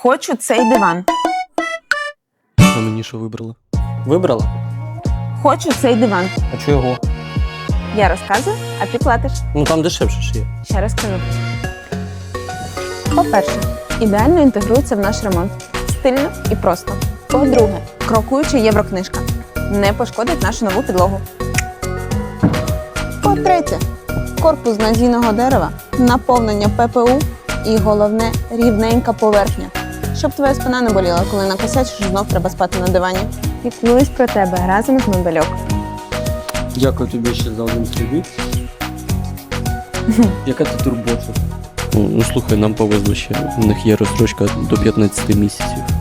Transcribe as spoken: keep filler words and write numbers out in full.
Хочу цей диван. А мені що вибрала? Вибрала? Хочу цей диван. А чого його? Я розказую, а ти платиш. Ну там дешевше ж є. Ще раз кажу. По-перше, ідеально інтегрується в наш ремонт. Стильно і просто. По-друге, крокуюча єврокнижка. Не пошкодить нашу нову підлогу. По-третє, корпус з надійного дерева, наповнення ППУ і, головне, рівненька поверхня. Щоб твоя спина не боліла, коли накосячиш, знов треба спати на дивані. Піклуюсь про тебе разом з мебельок. Дякую тобі ще за один кредит. Яка ти турбота? Ну, ну слухай, нам повезло ще. У них є розстрочка до п'ятнадцяти місяців.